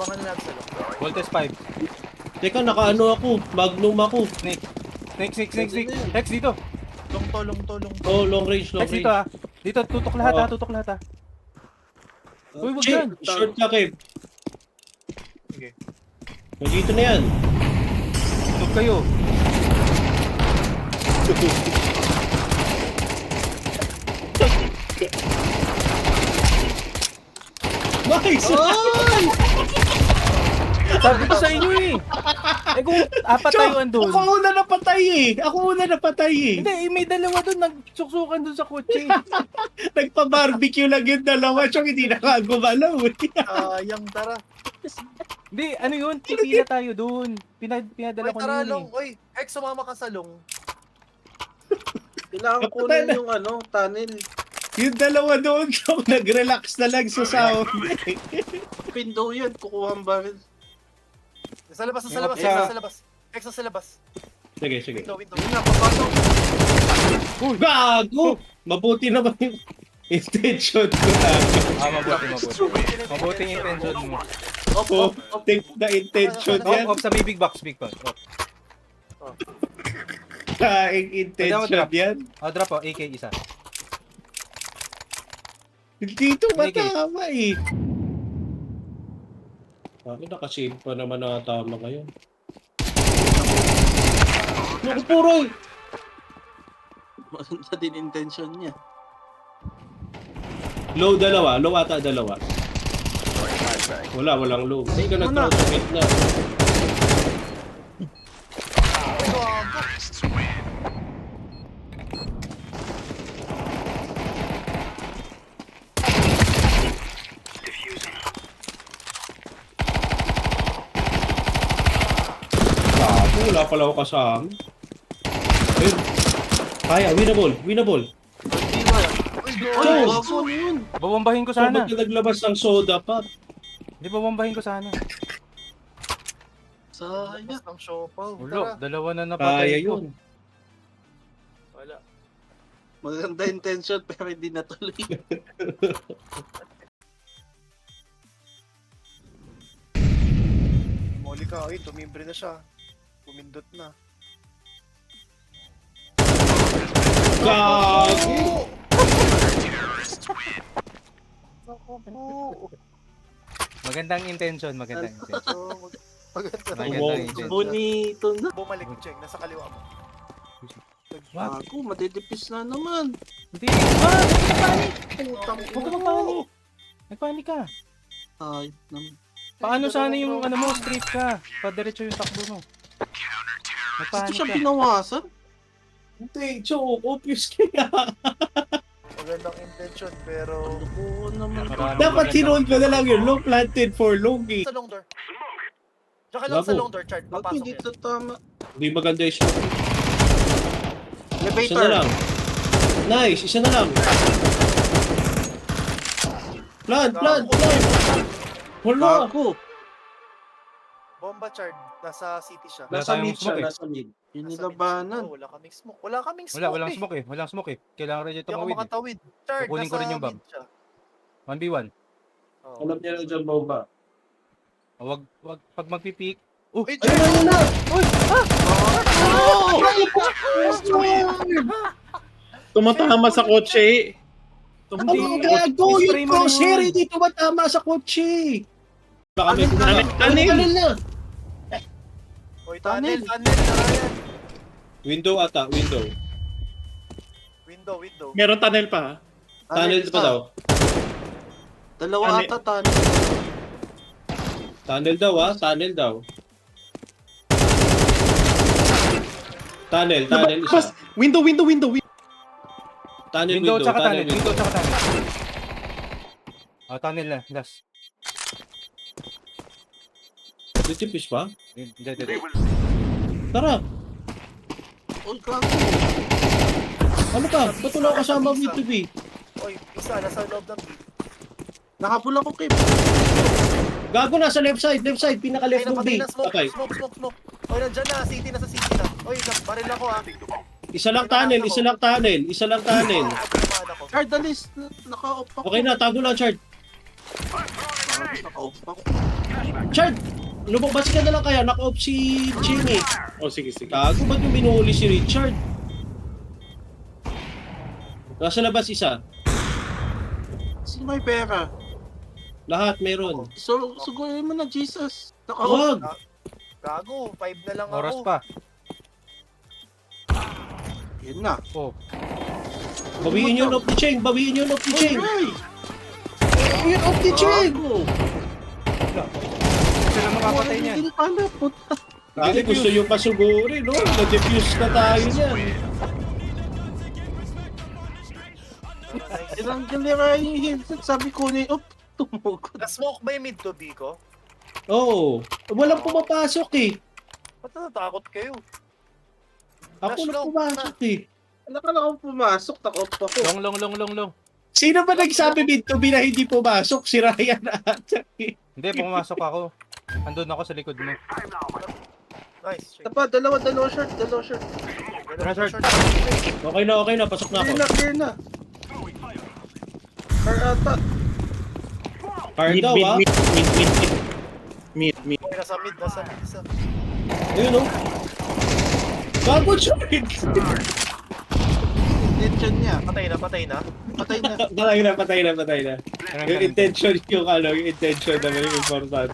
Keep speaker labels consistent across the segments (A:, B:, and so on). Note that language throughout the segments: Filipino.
A: Abangan na natin sa long.
B: Voltes 5.
C: Teka, nakaano ako. Magnum ako.
B: Snake. Snake. Rex dito.
A: Long to.
C: Oh, long range.
B: Rex dito ah. Dito, tutok lahat ha. Tutok lahat ha. Uy, wag dyan.
C: Short ka, Kev.
A: Sige.
C: Nandito na yan.
B: Tutok kayo.
C: Nice!
B: Sabi ko sa inyo eh. Eh kung apat tayo andun.
C: Ako una napatay eh.
B: Hindi, may dalawa doon nagsuksukan doon sa kotse.
C: Nagpa-barbecue lang yung dalawa. Tsaka hindi nakagumalaw eh.
A: Yang tara.
B: Hindi, ano yun? Pipila tayo doon. Pinadala
A: Oy,
B: ko
A: tara
B: na yun
A: long.
B: eh.
A: Oy, Hex, sumama ka sa long.
D: Kailangan kunin yung tunnel.
C: Yung dalawa doon, so, nag-relax na lang sa sound.
D: Window yan, kukuha ang barrel.
A: Sa labas. Hex, sa labas.
C: Sige.
A: Window.
D: Yun na, papasok.
C: Gago! Mabuti naman yung intention ko na.
B: Mabuti. Mabuti yung intention mo.
C: Oh, take the intention yan.
B: Off sa may big box. Off.
C: Kaing intention yan.
B: Drop AK isa.
C: Dito matama eh. Bakit nakasave pa naman nakatama ngayon? Naku puro!
D: Maganda din intention niya.
C: Low dalawa. Low ata dalawa. Walang low. Hindi ka nag-crossfit na. Wala pala ako kasama. Ayun. Kaya, winnable.
D: Hindi ba? Ay, gago ano yun?
B: Babombahin ko
C: So,
B: sana.
C: ba't ka naglabas ng soda pa?
B: Hindi, babombahin ko sana.
D: Sayang.
A: Labas ng siopaw.
B: Ulo,
A: Tara.
B: dalawa na
C: Kaya
B: napatay ko.
C: yun.
A: Wala.
D: Maganda intention pero hindi natuloy.
A: Moli ka. Ay, tumimbre na siya. Pumindot na.
C: Gago!
B: Magandang intention.
A: Maganda.
B: Magandang intention.
D: Bonito na.
A: Bumalik, Cheng. Nasa kaliwa mo.
B: What?
D: Ako, madidipis na naman.
B: Hindi. Nagpanik.
D: Putang
B: Huwag ka magpanik. Nagpanik ka.
D: Ay, naman.
B: Paano sana yung ano mo, straight ka? Padiretso yung takbo mo.
D: Ito
B: Nagpanik
D: siya
B: ka.
D: binawasan?
C: Hindi, choke. Obvious kaya.
A: Magandang intention, pero...
D: Oo naman.
B: Maraming
C: Dapat
B: magandang-
C: sinunod ko na lang yun. Low planted for long eh.
A: Sa long door. Tsaka lang sa
C: Gago.
A: long door, Chart.
D: Bago
A: Papasok
D: hindi
A: yan.
D: ito tama.
C: Hindi maganda yung smoke. Isa na
D: Elevator.
C: lang. Nice, isa na lang. Plant. Wala.
D: Bago.
A: Bomba, Chart. Nasa city siya.
B: Wala
D: Nasa
B: tayong
D: mid siya,
B: smoke eh.
D: nasa mid. Yung
A: Nasa
D: nilabanan.
A: mid. Oh, wala kaming smoke. Wala kaming smoke
B: Walang
A: eh.
B: smoke eh. Walang smoke eh. Kailangan rin
A: Hindi
B: ito
A: ako
B: mawid eh.
A: makatawid. Chart,
B: Kukunin ko
A: nasa
B: rin yung bomb.
A: mid siya.
B: 1v1.
A: Oh.
C: Alam niya lang dyan bomba.
B: Wag pag magpipik. Oh,
A: Uy,
C: Ayun na!
E: Tumatama sa kotse.
C: Ang
B: Hindi.
C: gago!
B: Spray
C: Yung
B: mo na
C: crosshair
B: yun.
C: hindi tumatama sa kotse! Baka may
E: Tunnel.
C: na!
A: Oy,
D: Tunnel.
A: tunnel. Tara yan.
C: Window ata, window.
A: Window.
E: Meron tunnel pa.
C: Tunnel pa daw.
D: Dalawa
E: Tunnel.
D: ata tunnel.
C: Tunnel daw tunnel daw. Tunnel isa.
E: Bas, window.
C: Tunnel,
B: window tsaka tunnel.
C: tunnel.
B: Window tsaka tunnel. Tunnel na. Last.
C: Ditipis pa?
B: Hindi.
C: Tara!
D: Oh, gago.
C: Ano ka? Ba't wala ka kasama with to be?
A: Oy, isa. Nasa loob ng gate.
D: Nakapula ko, Kim.
C: Gago na sa left side, pinaka
A: Ay,
C: left ng
A: napatay
C: B.
A: na. Smoke.
C: Okay.
A: Smoke. Oy, nandyan na. City. Nasa city na. Oy, baril ako ah.
C: Isa lang tunnel.
A: Tamaan ako.
D: Card, alis. Naka-off ako.
C: Okay na, tago lang, Chart.
D: Naka-off ako.
C: Chard! Lumabas ka na lang kaya, naka-off si Ching eh.
E: O sige, sige.
C: Gago, ba't yung binuhuli si Richard? Nasa labas isa.
D: Sino may pera?
C: Lahat meron.
D: So, sugurin mo na, Jesus. Naka-off.
C: Wag!
A: Gago, 5 na lang
B: Oras
A: ako.
B: pa.
D: Yun na.
B: Oh.
C: Bawiin yun off ni Cheng! Bawiin yun off ni Cheng!
D: Ay!
C: Bawiin off ni Cheng!
B: Sila makapatay niyan.
D: Hindi pala, puta.
C: Kasi gusto yung pasugurin, no? Na-defuse na tayo niyan.
D: Tinanggal nila yung headset. Sabi ko na yung, tumugod.
A: Na-smoke ba yung mid to B ko?
C: Oo. Walang pumapasok eh.
A: Ba't natatakot kayo?
C: Ako
A: Flash
C: na
A: long.
C: pumasok eh.
D: Wala ka lang akong pumasok. Naka-off ako.
B: Long.
C: Sino ba nagsabi mid to be na hindi pumasok? Si Ryan ata eh.
B: Hindi, pumasok ako. Andun ako sa likod mo.
A: Nice. Check.
D: Tapa, dalawa short.
B: Short.
C: Okay na. Pasok na ako.
D: Clear na. Car ata.
C: Hard daw ah.
E: Mid.
A: Okay, nasa mid. Isa.
C: Ayun oh. Gago short!
D: Intention niya.
A: Patay na.
D: Patay na.
C: Patay na. Yung intention yung intention naman yung importante.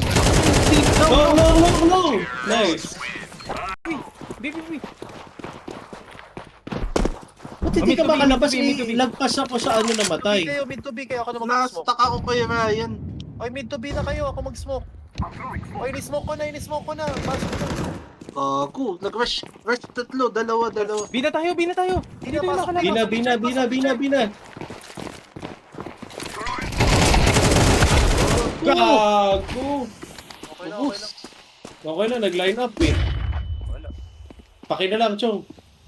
C: No! Nice.
B: Bi.
C: Ba't hindi ka
B: Mid to B,
C: makalabas?
B: mid to B.
C: Lagpas ako sa ano namatay.
A: Mid to B kayo. Ako na mag-smoke.
D: Na-stuck ako kay Ryan.
A: Oy, mid to B na kayo. Ako mag-smoke. Oy, ini-smoke ko na. Pasok na.
D: Gago. Nag-rush. Rush tatlo. Dalawa.
B: Bi na tayo. Hindi tayo nakalabas.
C: Bina. Gago!
A: Okay lang.
C: Okay na, nag-line up eh.
A: Wala.
C: Paki na lang, Chong.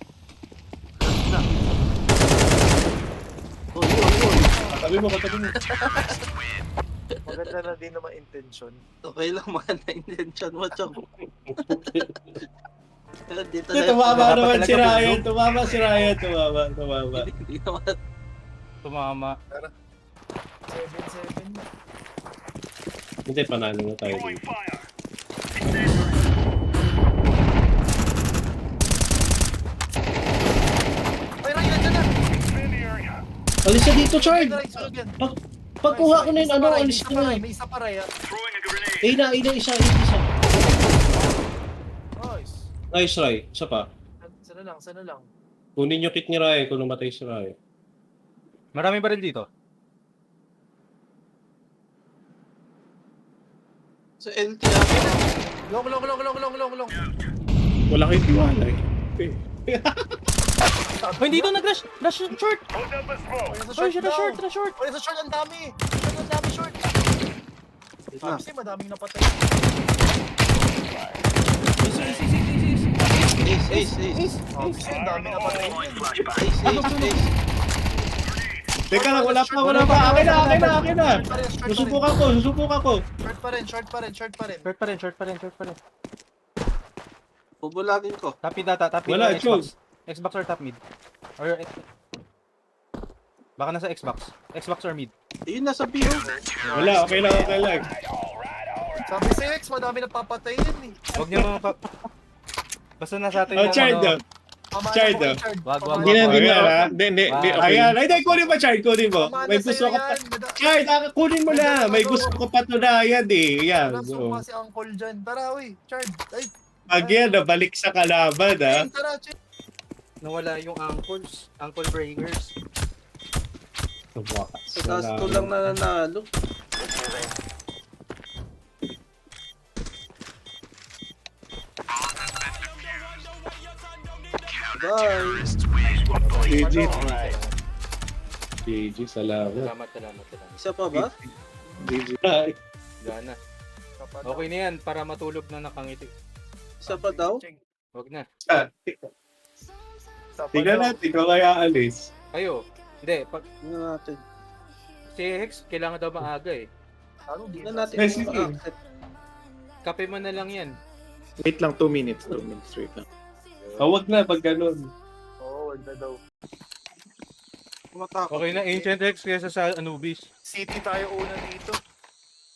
D: Oh, yun.
C: Katabi mo.
A: Maganda na din naman intention.
D: Okay lang man na intention mo, Chong. Dito
C: Tumama
B: Dapat
C: naman
B: talaga
C: si Ryan.
B: bilog.
C: Tumama si Ryan. Tumama.
D: Hindi naman.
B: Tumama.
A: 7-7 na.
C: Hindi, panalo na tayo dito.
A: Oy, Ryan, nandiyan na.
C: Alis na dito, Chard!
A: Sunod yan.
C: Pagkuha ko na yung ano,
A: May
C: alis
A: isa
C: na
A: pa
C: na.
A: rin, May isa pa rin.
C: Isa.
A: Nice.
C: Nice, Ray. Isa pa.
A: Sana lang.
C: Kunin yung kit ni Ray kung namatay si Ray.
B: Marami ba rin dito?
D: Sa LT ako.
A: Long.
E: Wala kayong tiwala eh. Okay.
B: Oh, hindi doon nag-rush. Rush short.
A: Oy,
B: Short.
A: Oy, sa short, ang dami. Ang dami short.
D: Na.
A: Kasi madaming napatay.
D: Ace.
A: Kasi ang dami napatay.
D: Ace.
C: Teka lang, wala pa. Akin na. Susubukan ko.
A: Short pa rin.
B: Short pa rin.
D: Bubulagin ko.
B: Top mid ata.
C: Wala,
B: Xbox. Xbox or top mid? Or baka nasa Xbox. Xbox or mid?
D: Ayun, nasa B.
C: Wala, okay lang.
A: Sabi sa X, madami napapatay yun eh.
B: Huwag niyo mga basta nasa atin
C: Oh,
B: yung
C: Chard
B: ano.
C: daw. Chard,
A: Pamana mo kay
B: Wag.
A: Pamana
E: Hindi na,
A: mo.
E: Hindi.
B: Wow.
C: Ayan, hindi, kunin mo, Chard, kunin mo.
A: Pamana
C: May
A: sa'yo
C: gusto ka pa.
A: yan.
C: Chard, kunin mo na. May gusto ko pa tunayan eh. Yan.
A: Nasuma si Uncle dyan. Tara, uy. Chard. Ay,
C: Pag yan, nabalik sa kalaban ha.
A: tara, Chard.
B: Nawala yung ankle breakers.
C: Tumakas.
D: Sa gasto lang nanalo. Bye.
C: GG, salamat.
B: Salamat.
D: Isa pa ba?
C: GG.
B: Wala na. Okay na yan para matulog na nakangiti.
D: Isa pa daw?
B: Wag na.
C: Tingnan natin kung kaya alis.
B: Kayo. Hindi.
D: Tingnan natin.
B: Si Hex, kailangan daw maaga eh.
D: Tingnan natin
C: Yes,
D: kung
C: sige.
D: ma-accept.
B: Kape mo na lang yan.
E: Wait lang, 2 minutes. 2 minutes, wait lang.
C: Huwag na pag ganun.
A: Oo, wag na daw.
D: Kumatakot.
B: Okay na, Ancient Hex kaysa sa Anubis.
A: City tayo una dito.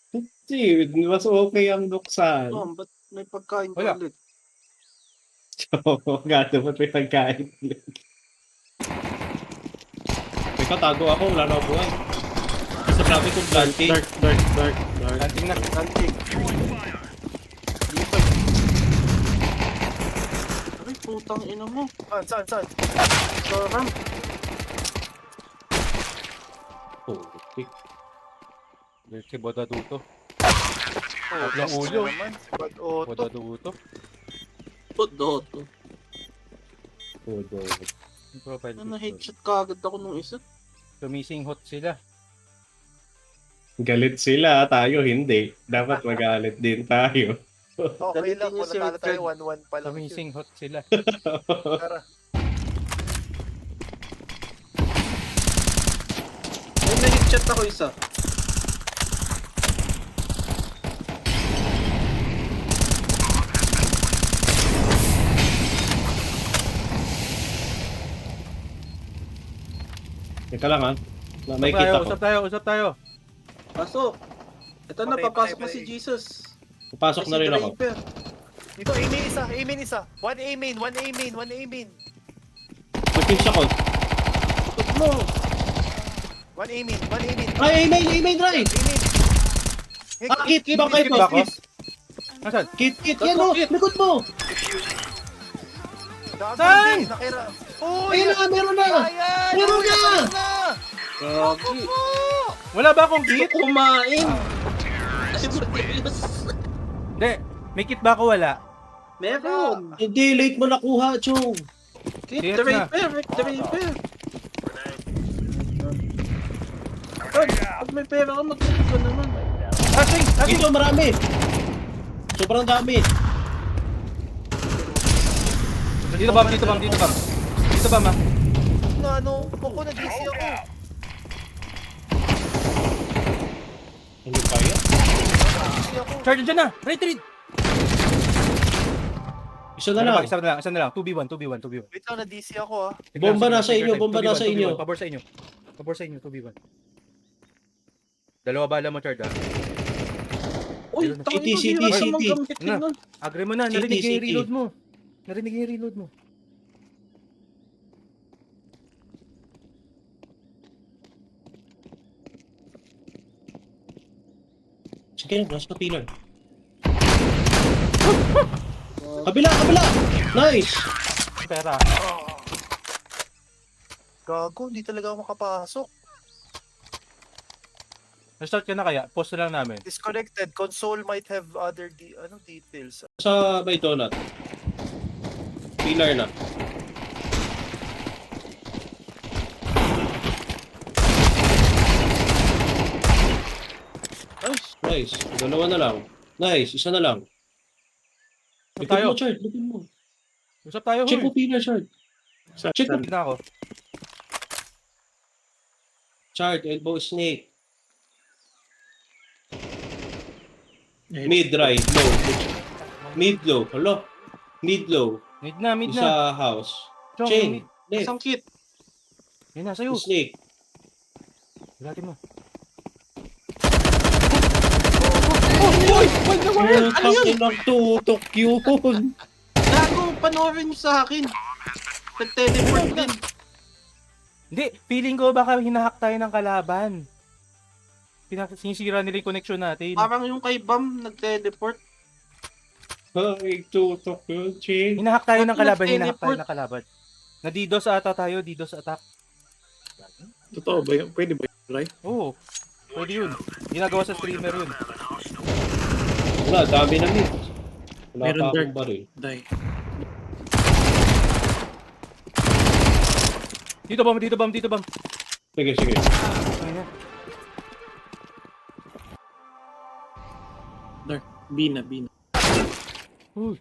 C: Kasi, mas okay ang nuksan.
D: Tom, ba't may pagkain ka
B: Wala.
D: ulit?
C: Oo, nga dapat may pagkain. May katago ako, wala na ako buhay. Basta sabi kong planting.
E: Dark.
B: Planting na.
D: Planting. Dito. Ay, putang ina mo.
A: Saan?
D: Sarang.
C: Oh, pick.
B: Si Boda Duto.
A: Oh,
B: Tatlong ulo.
A: naman. Si Bad Otto.
B: Boda Duto.
D: Doto.
C: Oh, dog.
B: Yung profile
D: Ano,
B: picture.
D: headshot kagad ako nung isa.
B: Sumising hot sila.
C: Galit sila, tayo hindi. Dapat magalit din tayo.
A: Okay lang,
D: Dalitin niyo
A: kung
D: si
A: natalo tayo,
D: Fred.
A: 1-1 pa lang. yun.
B: Sumising hot sila.
A: Tara.
D: May na-headshot ako isa.
C: Ito lang ha. May kita ko.
B: Usap tayo.
D: Pasok. Ito na,
A: Patay,
D: papasok na
A: patay.
D: si Jesus.
C: Papasok na rin ako.
A: Dito, aiming isa. One aiming.
C: Mag-pinch ako.
D: Tut mo.
A: One aiming.
C: Ay, aimay, dry! Ah, kit, bakit mo?
B: ba ako? Nasaan?
C: Kit, yan o! Likod mo!
B: Saan?
A: Nakira. Oh,
C: Ayun na, meron na! Meron na!
D: Gagi.
B: Wala ba akong kit?
D: Kumain. Ay, Mateus.
B: Hindi. May kit ba ako? Wala.
D: Meron.
C: Hindi, late mo nakuha, Chong.
D: Kit,
B: Yes na.
D: Draper. Pag may pera ka, mag-kit ka naman.
B: Asing!
C: Ito, marami. Sobrang dami.
B: Dito ba? Dito ba, ma?
A: Na ano, ako nag-DC ako.
C: Hindi kaya.
A: Nag-DC ako.
B: Charge dyan na! Retreat!
C: Isa na lang.
B: Isa na lang. 2v1.
A: Wait lang, na-DC ako ah.
C: Bomba nasa inyo, bomba nasa inyo.
B: Pabor sa inyo, 2v1. Dalawa bala mo, Chard, ah.
D: Uy,
B: City,
D: tangin mo,
C: city,
D: hirap
C: city.
D: naman gamit
B: Na.
D: nun.
B: Agre mo na,
C: City,
B: narinig yung
C: city.
B: reload mo. Narinig yung reload mo.
C: Sige, nasa pillar. Kabila! Nice!
B: Pera.
A: Gago, hindi talaga ako makapasok.
B: Na-start ka na kaya? Post na lang namin.
A: Disconnected. Console might have other details.
C: Sa may donut. Pillar na. Nice. Dalawa na lang. Nice. Isa na lang. Likod
B: Tayo.
C: mo, Chard. Likod mo.
B: Usap tayo,
C: Check mo
B: huy.
C: pillar, Chard. Check mo.
B: Na ako.
C: Chard, elbow snake. Mid right, low. Mid low. Hello? Mid low.
B: Mid na.
C: Isa house.
B: Chong,
C: Chain.
B: mid.
C: Left.
D: Isang kit.
B: Yan na, sa'yo.
C: Snake.
B: Hilatin mo.
C: Putang inang tutok yun.
D: Gago, panoorin niyo sa akin. Nag-teleport din.
B: Hindi, feeling ko baka hinahack tayo ng kalaban. Sinisira nila yung connection natin.
D: Parang yung kay Bam, nag-teleport.
C: Ay, tutok yun, Ching.
B: Hinahack tayo ng
D: Bakit
B: kalaban, hinahack
D: nag-teleport?
B: tayo ng kalaban. Na-DDoS ata tayo, DDoS attack.
E: Totoo ba yun? Pwede ba yun, right?
B: Oo, pwede yun. Ginagawa sa streamer yun.
C: Wala, dami na mid. Wala
E: Meron
C: pa akong
E: dark.
C: baril.
E: Die.
B: Dito bam.
C: Sige.
B: Ayun.
E: Dark. Bina.
B: Uy.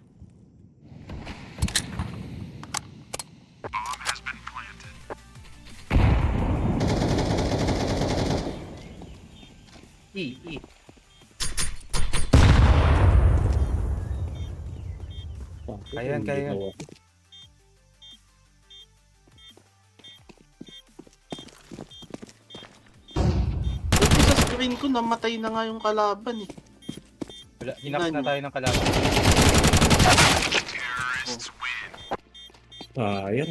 B: E. Kaya yan.
D: Ito sa screen ko, namatay na nga yung kalaban eh.
B: Wala, hinakas na tayo ng kalaban.
C: Sayang.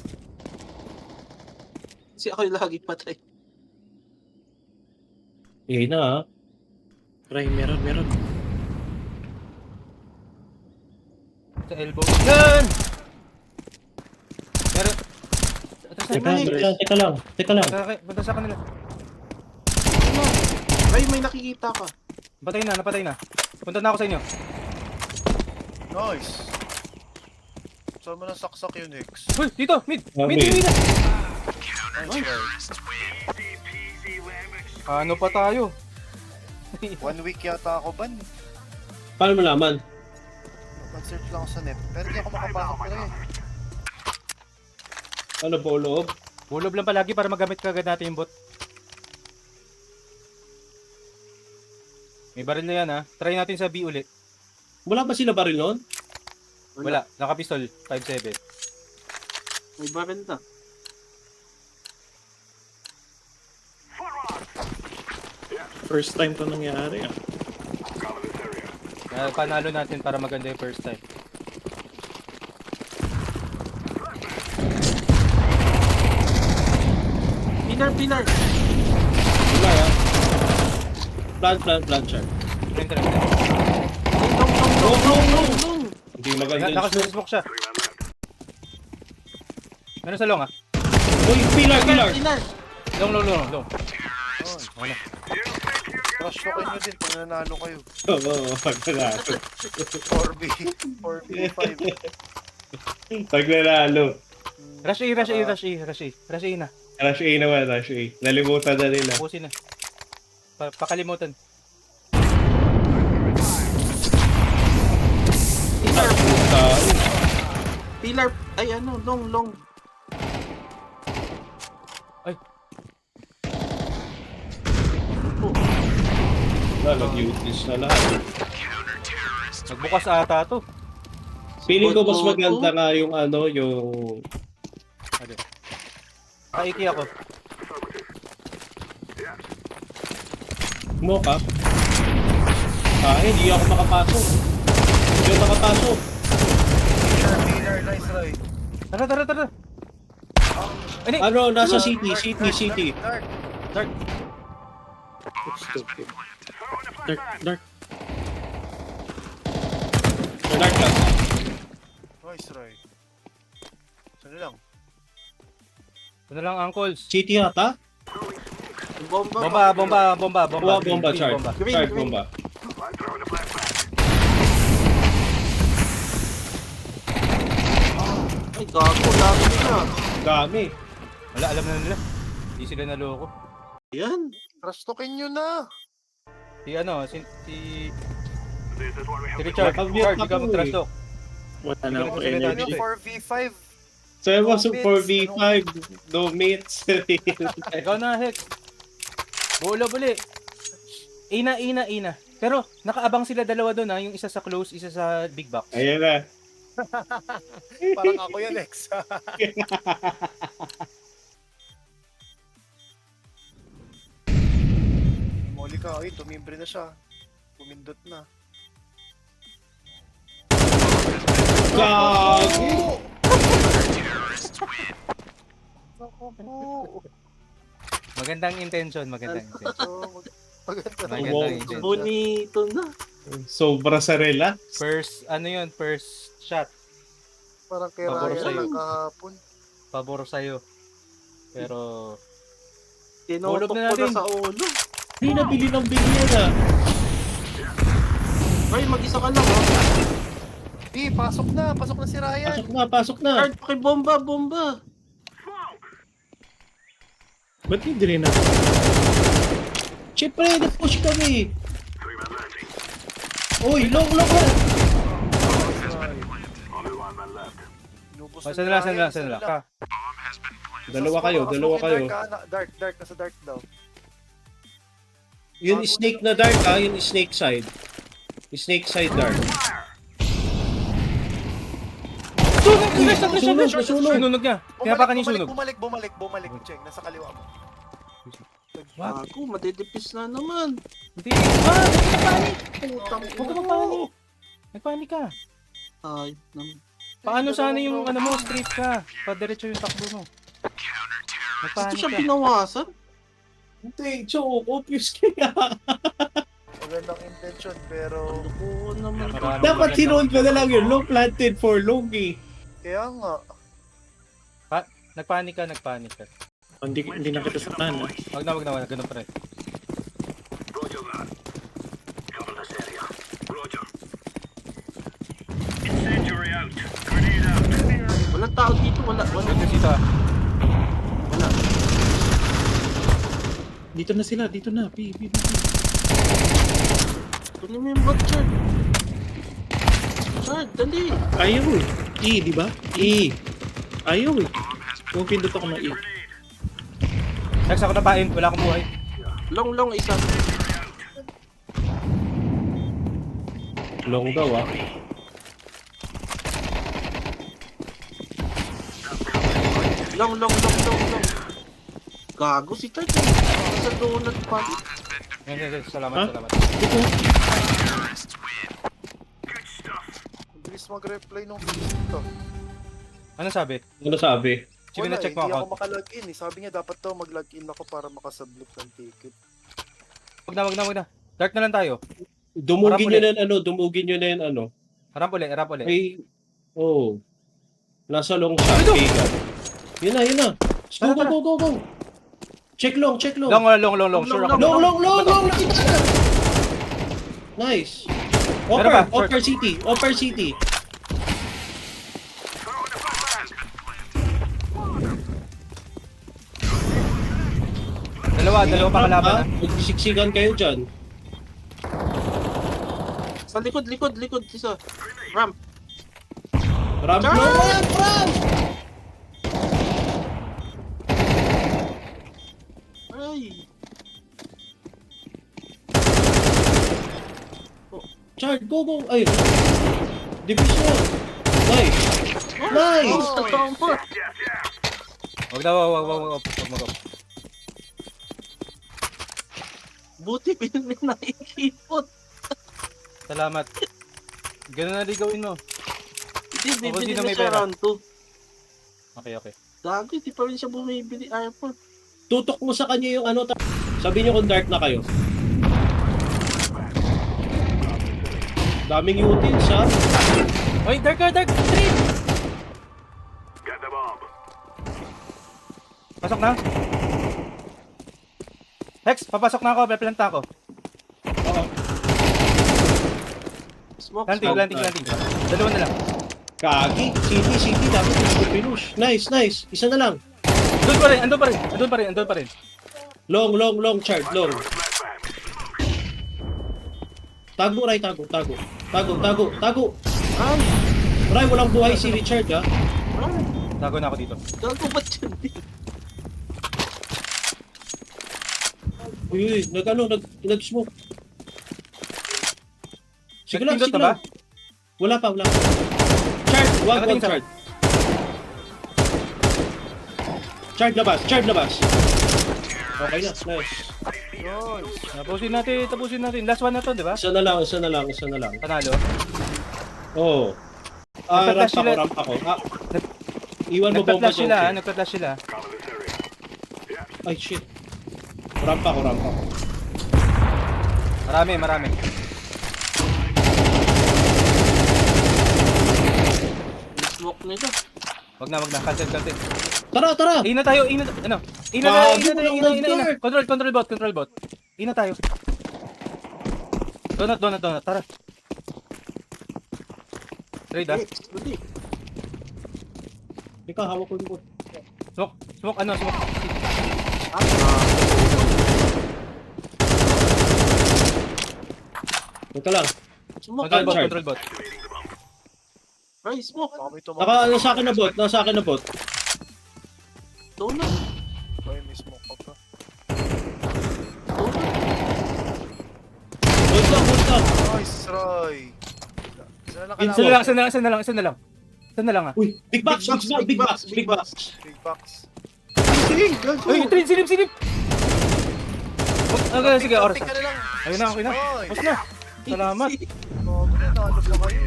D: Kasi ako yung lagi patay.
C: Eh na ha.
E: Ray, meron.
B: Sa elbow. Yan! Meron.
C: Teka lang.
B: Punta sa kanila.
D: Ano? Ay, may nakikita ka.
B: Napatay na. Punta na ako sa inyo.
A: Nice. Saan mo nasaksak yun, Hex?
B: Uy, dito! Mid!
C: Mid.
B: Mid!
A: Nice try.
B: Ano pa tayo?
A: 1 week yata ako ban.
C: Paano mo naman?
A: Mag-search lang ako sa net. Pero hindi ako makapasok pa rin.
C: Ano po loob?
B: Bulob lang palagi para magamit kagad natin yung bot. May baril na yan ha. Try natin sa B ulit.
C: Wala ba sila baril noon?
B: Wala. Naka-pistol. 5.7.
D: May baril na.
E: First time to nangyari ah.
B: Panalo natin para maganda yung first time.
D: Pilar!
C: Wala ha. Plant, sir.
B: Enter.
D: Long!
C: Hindi maganda.
B: Nakasmoke siya. Meron sa long ah.
C: Uy, pilar!
D: Pilar!
B: Long.
A: Crush ko nyo din pag nanalo kayo.
C: Oo, paglalalo.
A: 4v5.
C: Paglalalo.
B: Rush A na.
C: Rush A naman, Rush A. Nalimutan na nila.
B: Pusin na. Pakalimutan.
D: Pilar! Ay ano, long.
B: Ay.
C: Nag-useless na lahat.
B: Nagbukas ata to.
C: Feeling ko mas maganda nga yung ano, yung...
B: Okay. Kaiki ako.
C: Mocha. Hindi ako makapasok. Hindi ako makapasok.
A: Pilar, nice try.
B: Tara. Ano?
C: Ano, nasa city.
A: Dark.
E: Stupid. Dark.
C: Dark lang.
A: Nice try. Saan lang?
B: Ano lang, uncles?
C: City yata?
B: Bomba.
C: Bomba, charge.
D: Green,
C: Charge
D: green.
C: bomba.
D: Ay, gago, dami nila.
C: Dami.
B: Wala, alam na nila. Hindi sila naloko.
D: Yan.
A: Crush token nyo na.
B: Si Richard.
C: Nakabute
B: Richard,
C: na
B: ikaw
C: po
B: mag-trash
C: eh.
B: talk.
E: Wala na ako
B: Hindi ko
E: energy.
B: kasi
A: 4v5.
C: So it was
A: No
C: 4v5, no mates.
B: Ikaw na, Hex. Bulob uli. Ina. Pero, nakaabang sila dalawa doon ha. Yung isa sa close, isa sa big box.
C: Ayan na.
A: Parang ako yan, Lex. Moli ka, ay, tumimbre na siya. Pumindot na.
C: Gago!
B: Magandang intention.
A: Maganda
B: Magandang
C: Wow.
B: intention.
D: Bonito na.
C: Sobra sa relax.
B: First shot.
A: Parang kay
B: Pabor
A: Ryan
B: sa'yo.
A: lang kahapon.
B: Pabor sa'yo. Pero,
D: Tinutok
B: Bulob na
D: ko
B: natin.
D: na sa ulo.
C: Hindi nabili ng bigyan ah.
D: Ay, mag-isa ka lang oh.
A: Pasok na si Ryan.
C: Pasok na.
D: Card, pakibomba.
E: Ba't hindi rin na?
C: Siyempre, na-push kami. Uy, long.
A: Inubos
B: saan na lang. Ka.
C: Dalawa kayo.
A: Dark, nasa dark daw.
C: Yun snake na dark ha, yun snake side. Snake side dark.
B: Sunog niya. Kaya pa kanina sunog.
A: Bumalik, Cheng. Nasa kaliwa mo.
B: What?
D: Ako, madidipis na naman.
B: Hindi. Ah! Nagpanik!
D: Putang
B: Huwag ka magpanik. Nagpanik ka.
D: Ay, naman.
B: Paano sana yung ano mo, straight ka? Padiretso yung takbo mo.
D: Ito
B: Nagpanik
D: siya
B: ka.
D: binawasan?
C: Hindi, choke. Obvious kaya.
A: Magandang intention, pero...
D: Oo naman.
B: Maraming
C: Dapat
B: magandang-
C: sinunod ko na lang yun. Long planted for long eh.
A: Kaya nga.
B: Nagpanik ka.
E: Hindi na kita sa tan.
B: Wag na. Ganun pa rin.
D: Walang tao dito, wala.
B: Ganun dito ah.
D: Wala.
E: Dito na sila, dito na. P.
D: Kunin mo yung bot, Chard. Chard, dali.
E: Ayaw eh. E, di ba? E. Ayaw eh. Kung pindot ako na E.
B: Next ako napain. Wala akong buhay.
D: Long, isa.
C: Long daw ah.
D: Long. Gago si Chard. Sa donut pa.
B: Yan. Salamat.
A: Ang bilis mag-reply nung dito.
B: Ano sabi?
C: Ano sabi?
B: Sige na check mo
A: Hindi
B: account.
A: ako makalogin eh. Sabi niya dapat daw mag-login ako para makasubmit ng ticket.
B: Wag na. Dark na lang tayo.
C: Dumugin
B: Harap
C: nyo na yung ano.
B: Harap uli.
C: Ay, oh. Nasa long shot. Vegan. Yun na. Go. Check long.
B: Long. Sure ako.
C: Long. Nakita na. Nice.
B: Meron ba?
C: Offer city.
B: Dalawa pa kalaban ah.
C: Magsiksikan kayo dyan.
D: Sa likod. Isa. Ramp.
C: Ramp.
D: Ay.
C: Chard, go. Ay. Division. Nice.
D: Oh, tama.
B: Wag mag-up.
D: Buti nakikipot.
B: Salamat. Ganun na rin gawin mo.
D: Hindi,
B: O,
D: bibili
B: sino
D: na
B: may
D: siya
B: pera?
D: round 2.
B: Okay.
D: Gago, hindi pa rin siya bumibili. Ayaw pa.
C: Tutok mo sa kanya yung ano. Sabi niyo kung dark na kayo. Daming utils ha.
B: Oy, dark! Straight! Pasok na. Hex, papasok na ako. Peplanta ako.
D: Smoke.
B: Planting. Dalawa na lang.
C: Kagi. City. Dapat yung pinush. Nice. Isa na lang.
B: Andun pa rin.
C: Long, Chard. Long. Tago, Ray. Tago.
D: Ay,
C: Ray, walang buhay si Richard ha.
D: ay.
B: Tago na ako dito.
D: Gago ba't yun?
C: Uy, nag-smoke. Sige lang.
B: Nagpindot na ba?
C: Wala pa. Chard, wag
B: Nakatingin sa-
C: Chard. Chard labas. Okay na, nice.
B: Tapusin natin. Last one na to, di ba?
C: Isa na lang.
B: Panalo.
C: Oo. Ramp ako. Iwan mo bomba dyan.
B: Nagpa-flash sila.
C: Ay, shit. Ramp ako.
B: Marami.
D: Smoke nila.
B: Wag na. Cancel.
C: Tara.
B: Ina tayo. Ano? Ina. Control bot. Ina tayo. Donut. Tara. Trade ah.
D: Dali.
C: Ikaw, hawak ko yung bot.
B: Smoke.
C: Ito lang.
D: Smoke.
B: Control bot.
D: Ay, smoke.
A: Baka may tumawag.
C: Nasa akin na bot.
D: Donut.
A: Ay, may smoke pa pa.
C: Bot lang.
A: Nice, Roy.
B: Isa na lang ah.
C: Uy, big box.
A: Big box.
B: Uy, silip. Okay, sige, oras.
A: Pick ka na lang.
B: Ayun na, okay na.
A: Oy.
B: Tapos na. Salamat.
A: Bago na, nalog na kayo.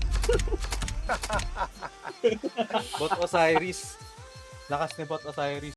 B: Bot Osiris. Lakas ni Bot Osiris.